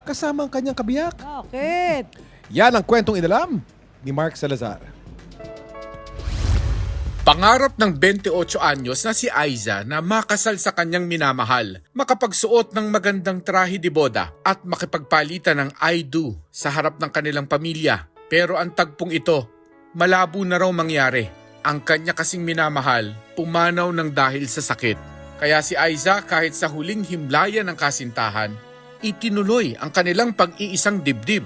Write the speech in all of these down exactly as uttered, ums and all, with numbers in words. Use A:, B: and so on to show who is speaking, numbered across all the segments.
A: kasama ang kanyang kabiyak.
B: Bakit?
A: Yan ang kwentong inalam ni Mark Salazar.
C: Pangarap ng twenty-eight anyos na si Aiza na makasal sa kanyang minamahal, makapagsuot ng magandang trahe de boda at makipagpalitan ng I do sa harap ng kanilang pamilya. Pero ang tagpong ito, malabo na raw mangyari. Ang kanya kasing minamahal, pumanaw ng dahil sa sakit. Kaya si Aiza kahit sa huling himlayan ng kasintahan, itinuloy ang kanilang pag-iisang dibdib.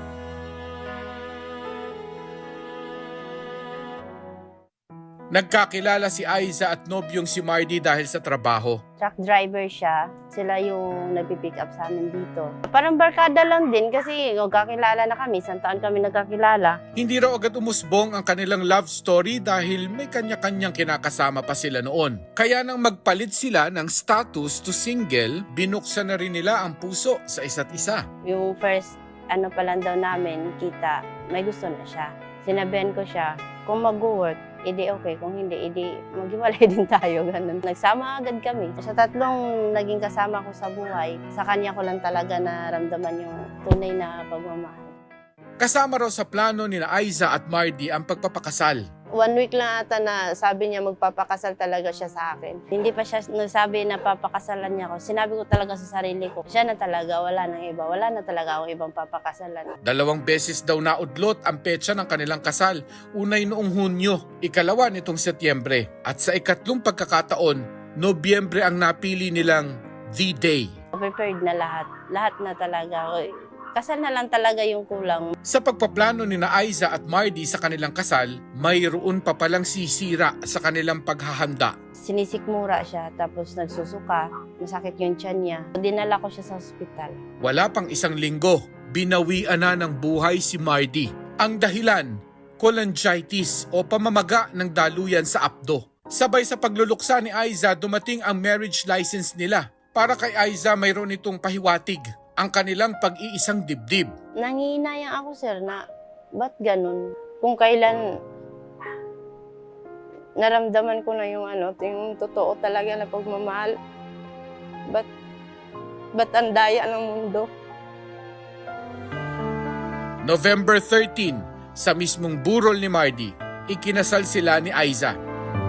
C: Nagkakilala si Aiza at nobyong si Mardy dahil sa trabaho.
D: Truck driver siya. Sila yung nagpipick up sa amin dito. Parang barkada lang din kasi nagkakilala na kami. Isang taon kami nagkakilala.
C: Hindi raw agad umusbong ang kanilang love story dahil may kanya-kanyang kinakasama pa sila noon. Kaya nang magpalit sila ng status to single, binuksan na rin nila ang puso sa isa't isa.
D: Yung first ano pa lang daw namin, kita, may gusto na siya. Sinabihan ko siya, kung mag-work, edi okay. Kung hindi, edi maghiwalay din tayo. Ganun. Nagsama agad kami. Sa tatlong naging kasama ko sa buhay, sa kanya ko lang talaga naramdaman yung tunay na pagmamahal.
C: Kasama raw sa plano ni Aiza at Mardy ang pagpapakasal.
D: One week lang ata na sabi niya magpapakasal talaga siya sa akin. Hindi pa siya nagsabi na papakasalan niya ako. Sinabi ko talaga sa sarili ko, siya na talaga, wala nang iba. Wala na talaga akong ibang papakasalan.
C: Dalawang beses daw naudlot ang petsa ng kanilang kasal. Unay noong Hunyo, ikalawa nitong Setyembre. At sa ikatlong pagkakataon, Nobyembre ang napili nilang the day.
D: Prepared na lahat. Lahat na talaga. Kasal na lang talaga yung kulang.
C: Sa pagpaplano ni na Aiza at Mardy sa kanilang kasal, mayroon pa palang sisira sa kanilang paghahanda.
D: Sinisikmura siya, tapos nagsusuka, masakit yung tiyan niya. Dinala ko siya sa ospital.
C: Wala pang isang linggo, binawian na ng buhay si Mardy. Ang dahilan, cholangitis o pamamaga ng daluyan sa apdo. Sabay sa pagluluksa ni Aiza, dumating ang marriage license nila. Para kay Aiza, mayroon itong pahiwatig ang kanilang pag-iisang dibdib.
D: Nangihinayang ako, sir, na ba't ganun? Kung kailan naramdaman ko na yung ano, yung totoo talaga na pagmamahal, ba't, ba't ang daya ng mundo?
C: November thirteenth, sa mismong burol ni Mardy, ikinasal sila ni Aiza.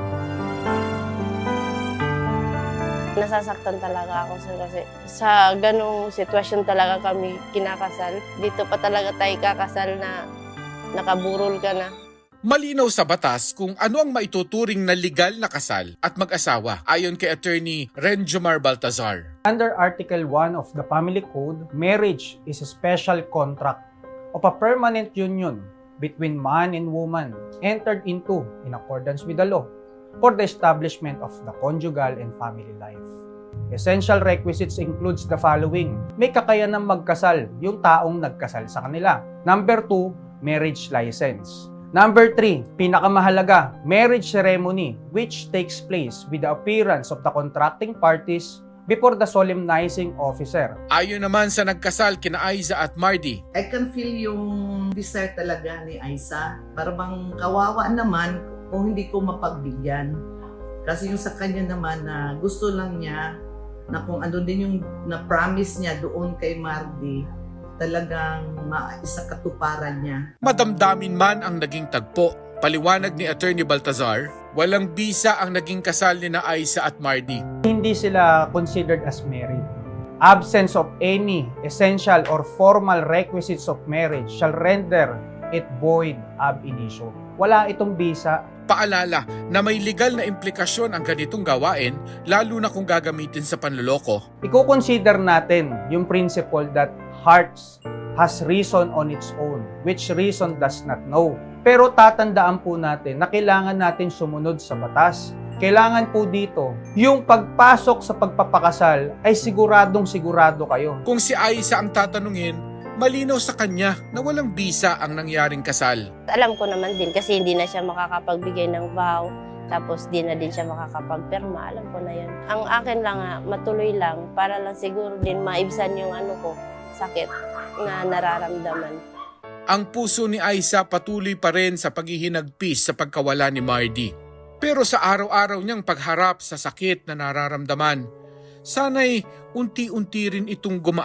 D: Nasasaktan talaga ako, sir, kasi sa ganung sitwasyon talaga kami kinakasal. Dito pa talaga tayo kakasal na nakaburol ka na.
C: Malinaw sa batas kung ano ang maituturing na legal na kasal at mag-asawa ayon kay Attorney Renjomar Baltazar.
E: Under Article one of the Family Code, marriage is a special contract of a permanent union between man and woman entered into in accordance with the law for the establishment of the conjugal and family life. Essential requisites includes the following. May kakayanang magkasal yung taong nagkasal sa kanila. Number two, marriage license. Number three, pinakamahalaga, marriage ceremony which takes place with the appearance of the contracting parties before the solemnizing officer.
C: Ayon naman sa nagkasal kina Aiza at Mardy,
F: I can feel yung desire talaga ni Aiza. Para bang kawawa naman kung hindi ko mapagbigyan. Kasi yung sa kanya naman na gusto lang niya na kung ano din yung na-promise niya doon kay Mardy, talagang maisa katuparan niya.
C: madamdamin man ang naging tagpo. Paliwanag ni Attorney Baltazar, walang bisa ang naging kasal ni na Aiza at Mardy.
E: Hindi sila considered as married. Absence of any essential or formal requisites of marriage shall render it void ab initio. Wala itong bisa.
C: Paalala na may legal na implikasyon ang ganitong gawain lalo na kung gagamitin sa panloloko.
E: Iko-consider natin yung principle that hearts has reason on its own, which reason does not know. Pero tatandaan po natin na kailangan natin sumunod sa batas. Kailangan po dito, yung pagpasok sa pagpapakasal ay siguradong sigurado kayo.
C: Kung si Aiza ang tatanungin, malinaw sa kanya na walang bisa ang nangyaring kasal.
D: Alam ko naman din kasi hindi na siya makakapagbigay ng vow, tapos di na din siya makakapagperma. Alam ko na yan. Ang akin lang nga, matuloy lang para lang siguro din maibsan yung ano ko, sakit na nararamdaman.
C: Ang puso ni Aiza patuloy pa rin sa paghihinagpis sa pagkawala ni Mardy. Pero sa araw-araw niyang pagharap sa sakit na nararamdaman, sana'y unti-unti rin itong gumaan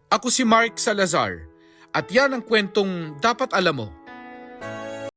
C: Ako si Mark Salazar at yan ang kwentong dapat alam mo.